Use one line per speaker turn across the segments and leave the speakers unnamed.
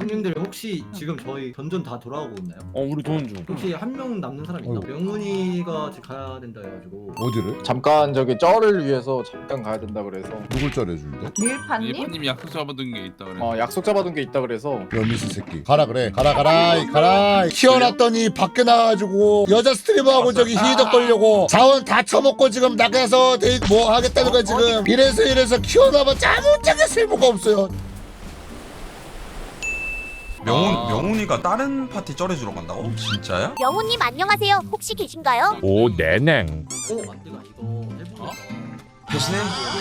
형님들 혹시 지금 저희 던전 다 돌아오고 있나요?
우리 도는 중.
혹시 한 명 남는 사람 있나? 명훈이가 지금 가야 된다 해가지고.
어디를?
잠깐 저기 쩔을 위해서 잠깐 가야 된다 그래서
누굴 쩔해준대?
밀파님?
일파님이 약속 잡아둔 게 있다 그래.
약속 잡아둔 게 있다 그래서
여미수 새끼 가라 그래 가라 키워놨더니 밖에 나가가지고 여자 스트리머하고 저기 희덕 걸려고 자원 다 처먹고 지금 나가서 뭐 하겠다는 거야 지금. 이래서 키워놔봤자 아무짝에 쓸모가 없어요.
명훈이가 다른 파티 쩔해주러 간다고? 진짜야?
명훈님 안녕하세요. 혹시 계신가요?
오 내냉.
내가 이거 해보니까.
대신에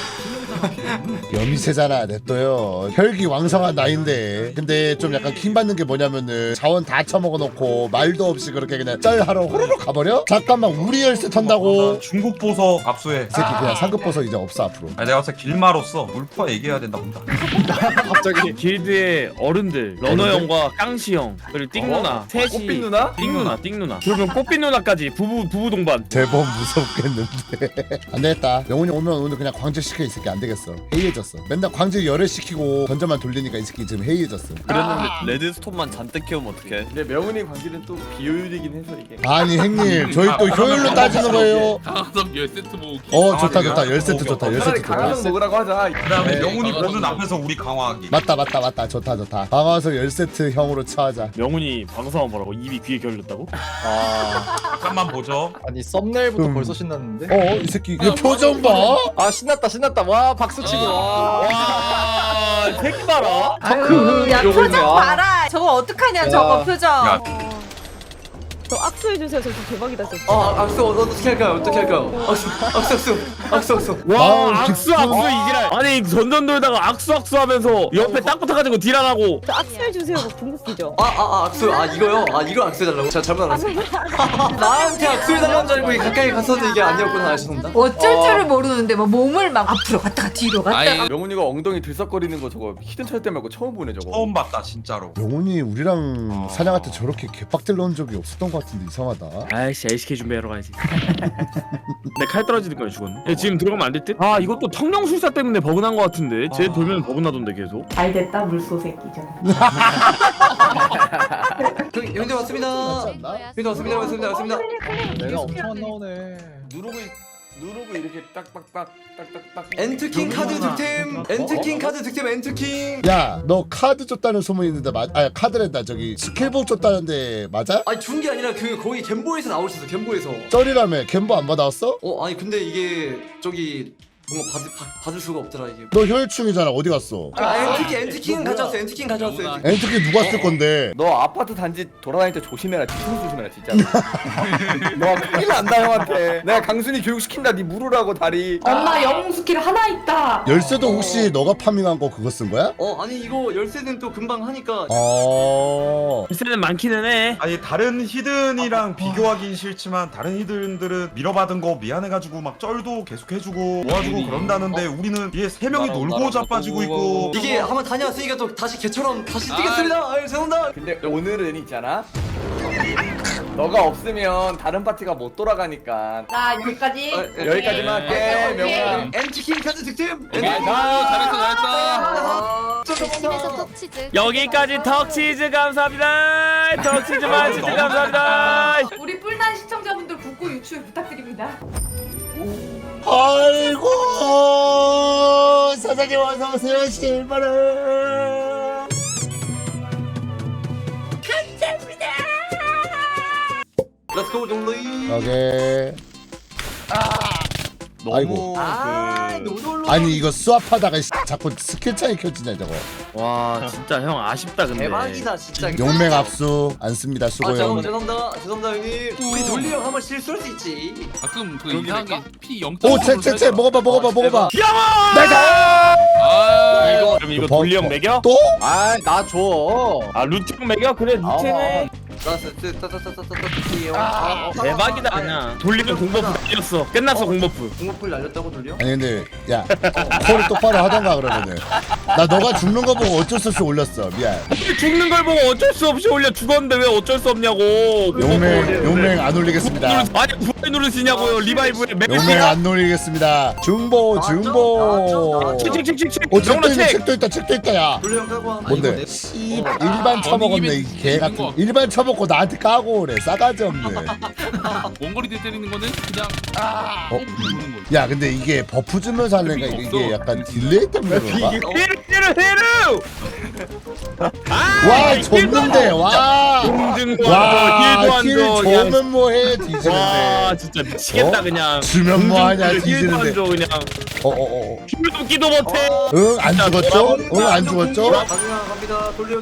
여미새잖아 냅둬요. 혈기 왕성한 나이인데 근데 좀 약간 킹받는 게 뭐냐면은 자원 다 처먹어놓고 말도 없이 그렇게 그냥 쩔하러 호로록 가버려? 잠깐만 우리 열쇠 턴다고.
중국 보석 압수해.
이 새끼 그냥 상급 보석 이제 없어 앞으로.
아니 내가 봤을 때 길마로서 물파 얘기해야 된다 본다.
갑자기 길드의 어른들 러너 형과 깡시 형 그리고 띵 누나 셋이
꽃빛 누나?
띵 누나 그러면 꽃빛 누나까지 부부 동반.
대범 무섭겠는데. 안 되겠다. 명훈이 오면 오늘 그냥 광질 시켜. 이 새끼 안 되겠어. 해이해졌어. 맨날 광질 열애 시키고 던져만 돌리니까 이 새끼 지금 해이해졌어.
그랬는데 레드스톤만 잔뜩 키우면 어떡해?
근데 명훈이 광질은 또 비효율이긴 해서 이게
아니 형님 저희 또 효율로 따지는 거예요.
강화석 10세트 모으기.
좋다 10세트 좋다 10세트 좋다.
강화석 먹으라고 하자.
그다음에
네.
명훈이 보는 앞에서 우리 강화하기.
맞다 좋다. 방아서 10세트 형으로 처하자.
명훈이 방송한 뭐라고 입이 귀에 결렸다고?
잠깐만 보죠.
아니 썸네일부터 벌써 신났는데?
이 새끼 이 표정 봐.
신났다 와 박수 치고
와 새끼 봐라.
아유, 야
요거
표정
있냐?
봐라. 저거 어떡하냐 저거 표정.
야.
저 악수해주세요. 저 대박이다 진짜.
악수 어떻게 할까요? 악수
와
마음
악수
깊은-
이지랄. 아니 전전 돌다가 악수 하면서 옆에 딱 붙어가지고 딜하라고.
저 악수해주세요. 뭐 궁극기죠.
악수 이거요? 이거 악수해달라고? 제가 잘못 알았어요. 나한테 악수해달라는 줄 알고 가까이 갔어도 이게 아니었구나. 죄송합니다.
어쩔 줄을 모르는데 뭐 몸을 막 앞으로 갔다가 뒤로 갔다가.
아니
명훈이가 엉덩이 들썩거리는 거 저거 히든 철대 말고 처음 보네 저거.
처음 봤다 진짜로.
영훈이 우리랑 사냥할 때 저렇게 개빡들 넣은 적이 없었던 것 같은데 이상하다.
아이씨 LCK 준비하러 가야지. 내 칼 떨어지는 거야 죽었네. 야, 지금 들어가면 안 될 듯? 이것도 청룡술사 때문에 버그난 거 같은데. 쟤 돌면 버그나던데 계속.
잘 됐다 물소 새끼죠.
형님 왔습니다. 형님 왔습니다.
내가 엄청 안 나오네.
누르고 이렇게 딱딱딱 엔트킹 카드 득템. 엔트킹 카드 득템. 엔트킹.
야, 너 카드 줬다는 소문이 있는데 카드랜다. 저기 스킬북 줬다는데 맞아?
아니 준 게 아니라 거기 겜보에서 나올 수 있어. 겜보에서.
쩔이라며 겜보 안 받아왔어?
아니 근데 이게 저기 뭔가 받을 수가 없더라 이게.
너 혈충이잖아. 어디 갔어?
엔트킹 가져왔어. 엔트킹 가져왔어요.
엔트키 누가 쓸 건데?
너 아파트 단지 돌아다닐 때 조심해라. 뒤통수 조심해라 진짜. 너 큰일 난다 형한테. 내가 강순이 교육시킨다. 네 물으라고 다리.
엄마 영웅 스킬 하나 있다.
열쇠도 혹시 너가 파밍한 거 그거 쓴 거야?
아니 이거 열쇠는 또 금방 하니까.
글쎄는 많기는 해.
아니 다른 히든이랑 비교하긴 싫지만 다른 히든들은 밀어받은 거 미안해가지고 막 쩔도 계속 해주고 모아주고 그런다는데 우리는 얘 세 명이 놀고 자빠지고 있고.
이게 한번 다녀왔으니까 또 다시 개처럼 다시 뛰겠습니다. 죄송합니다.
근데 오늘은 있잖아. 너가 없으면 다른 파티가 못 돌아가니까.
자 여기까지.
여기까지만 할게. 명훈아.
엔트킹 카드 득템.
잘했어.
집에서 톡치즈.
여기까지 턱치즈 감사합니다. 턱치즈 만치즈 감사합니다.
우리 뿔난 시청자분들 국고 유출 부탁드립니다.
아이고 사장님 어서 오세요. 10만원
렛츠고 정리.
오케이. 아이고.
노돌로.
아니 이거 수압하다가 자꾸 스킬 차이 켜지냐 저거.
와 진짜 형 아쉽다 근데.
대박이다 진짜.
용맹 압수 안 씁니다. 수고해요.
죄송합니다 형님. 우리 돌리 형 한번 실수할 수 있지.
가끔 그 이상하게 피 0.
채 먹어봐.
영원!
아
그럼 이거 돌리 형 매겨?
또?
나 줘.
루트 형 매겨? 그래 루트네. 대박이다 그냥. 돌리면 공버프 날렸어. 끝났어 공버프.
공포풀 날렸다고 돌려?
아니 근데 야 콜을 똑바로 하던가 그러면은 나 너가 죽는 거 보고 어쩔 수 없이 올렸어. 미안.
죽는 걸 보고 어쩔 수 없이 올려. 죽었는데 왜 어쩔 수 없냐고.
용맹 안 올리겠습니다.
아니 부활 누르시냐고요. 리바이브에
용맹 안 올리겠습니다. 중보 중보.
칙칙칙칙칙.
책도 있다 책도 있다 야.
돌려 형 까고 와.
뭔데? 일반 처먹었네 이 개 같은. 일반 처먹고 나한테 까고 그래. 싸가지 없네.
원거리 대 때리는 거는 그냥 누르는 거지.
야 근데 이게 버프 주면서 하려니까 이게 약간 딜레이 때문에 그런가?
헤르.
와 줬는데 와.
공증도
와,
안
힐
줘.
좋으면 뭐해
와
뒤지는데.
진짜 미치겠다
어?
그냥.
주면 뭐하냐
힐도
뒤지는데.
안 줘, 그냥. 힘을 끼도 못해.
응 안 죽었죠? 응 안 죽었죠?
가중아 갑니다. 돌려.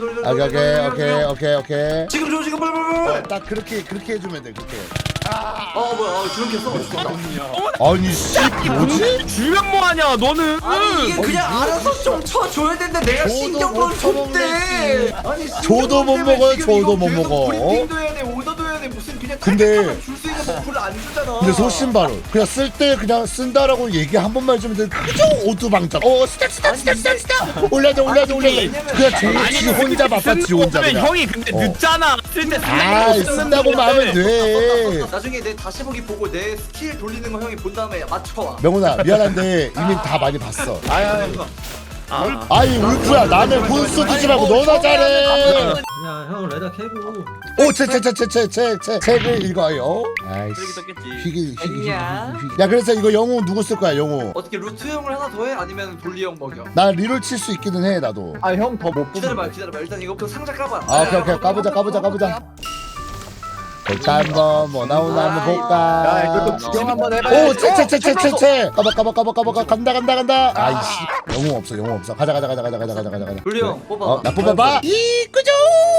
오케이.
지금 줘 지금 빨리.
딱 그렇게 해주면 돼 그렇게.
뭐야 주름 켰어.
아니 씨 뭐지?
주면 뭐하냐 너는.
아니 이게 그냥 알아서 좀 쳐줘야 되는데 내가 신경을 줬대. 아니
저도 못 먹어요, 저도 못 먹어.
브리핑도 해야 돼 오더도 해야 돼 무슨 그냥
근데-
줄수 있는 버프를 안 주잖아.
근데 소신발언 그냥 쓸 때 그냥 쓴다라고 얘기 한 번만 해주면 돼. 그죠? 오두방짝 스타 올려줘 그냥 지 혼자 바빠 지 혼자 그냥.
형이 근데 늦잖아. 쓸때
아 쓴다고만 하면 돼.
나중에 내 다시 보기 보고 내 스킬 돌리는 거 형이 본 다음에 맞춰와.
명훈아 미안한데 이미 다 많이 봤어.
아.
아이 울프야 남의 분수 주지 말고 너나 잘해.
야형 레다 캐고.
오 책을 읽어요. 아이씨 희귀. 야 그래서 이거 영웅 누구 쓸 거야 영웅?
어떻게 루트 형을 하나 더 해? 아니면 돌리 형 먹여?
나 리롤 칠 수 있기는 해 나도.
아 형 더 못
기다려봐 일단 이거 그 상자 까봐.
아 오케이 까보자. 일단 한번 뭐 나오나 한번 볼까.
야 이거 구경 한번 해봐.
오 채 까봐 간다. 아이씨 영웅 없어. 가자.
돌리 형 뽑아.
나 뽑아봐. 이끄죠.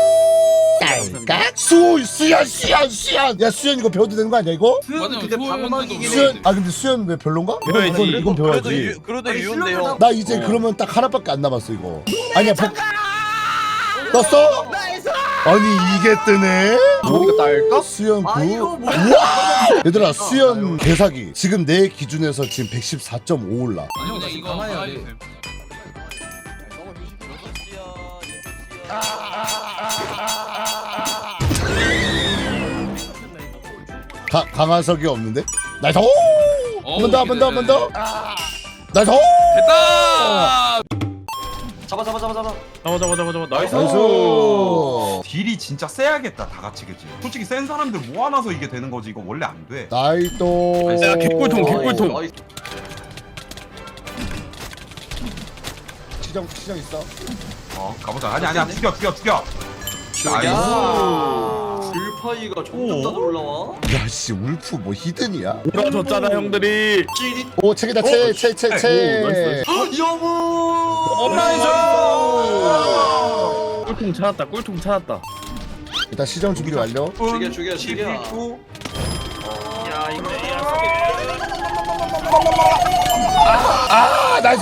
딸깍 수연. 야 수연 이거 배워도 되는 거 아니야 이거?
수현은
맞아요,
근데
수현은
방어막이긴 해.
수연 근데 수연 왜 별론가? 이건 배워야지.
그래도
아니,
유인데요.
나 이제 그러면 딱 하나밖에 안 남았어 이거. 아니야 떴어? 아니 이게 뜨네?
이거 딸까?
수연 9.
아 이거 뭐야?
우와! 얘들아 수연 개사기 지금 내 기준에서 지금 114.5 올라.
아니 그냥 이거
가만히 해야 돼.
강화석이 없는데? 나이스! 한번 더! 나이스!
됐다.
잡아.
나이스.
나이스!
딜이 진짜 세야겠다 다 같이 그치? 솔직히 센 사람들 모아놔서 이게 되는 거지 이거 원래 안 돼.
나이스!
야 개꿀통.
시정 있어.
가보자. 아니야 죽여. 나이스.
불파이가 점점 더 올라와.
야씨 울프 뭐 히든이야?
울어줬잖아 형들이.
오 책이다 책.
영웅.
나이스. 꿀통 찾았다.
일단 시정 준비 완료.
죽여.
나이스!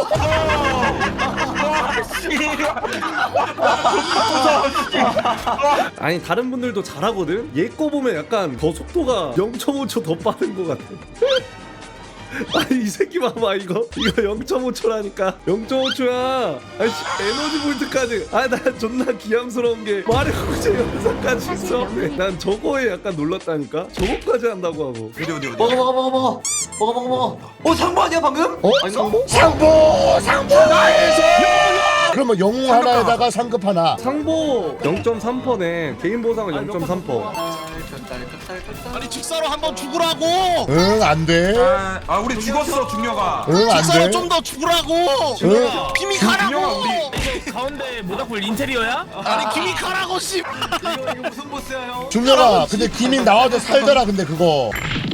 아니 다른 분들도 잘하거든? 얘 거 보면 약간 더 속도가 0.5초 더 빠른 것 같아. 아니 이 새끼 봐봐 이거 0.5초라니까 0.5초야. 아니 에너지 볼트까지. 아 나 존나 기함스러운 게 마리오 구제 영상까지 있어. 난 저거에 약간 놀랐다니까. 저거까지 한다고 하고.
어디.
먹어. 상부 아니야 방금? 아닌가?
상보 나이스! 그러면 영웅 하나에다가 상급 하나.
상보 0.3%네. 개인 보상은 0.3%.
아니
직사로 한번 죽으라고.
응 안돼.
아 우리 죽었어 중녀가.
응 안돼.
직사로 좀 더 죽으라고.
응.
김이
중녀가
가라고.
우리.
가운데 모닥불 인테리어야?
아니 김이 가라고 씨.
이거 무슨 보스야 형?
중녀가 근데 김인 나와도 살더라 근데 그거.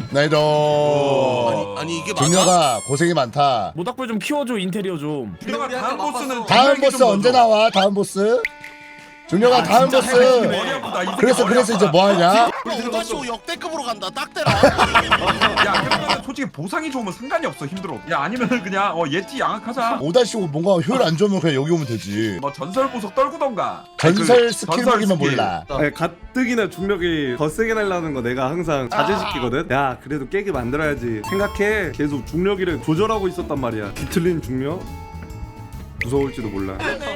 나이도.
아니 이게 맞아?
중녀가 고생이 많다.
모닥불 좀 키워줘 인테리어 좀.
중녀가 다음 보스는
다음 보스 언제 나와? 다음 보스? 중력아 다음 보스.
머리 아프다. 이 새끼
그래서
머리
이제
아프다.
뭐 하냐?
오다쇼 역대급으로 간다. 딱 때라.
야 그러면 솔직히 보상이 좋으면 상관이 없어. 힘들어. 야 아니면은 그냥 예티 양악하자.
5-5 뭔가 효율 안 좋으면 그냥 여기 오면 되지.
뭐 전설 보석 떨구던가.
전설
그
스킬보기만
스킬.
몰라.
아니, 가뜩이나 중력이 더 세게 날라는 거 내가 항상 자제시키거든. 야 그래도 깨게 만들어야지 생각해. 계속 중력이를 조절하고 있었단 말이야. 뒤틀린 중력 무서울지도 몰라.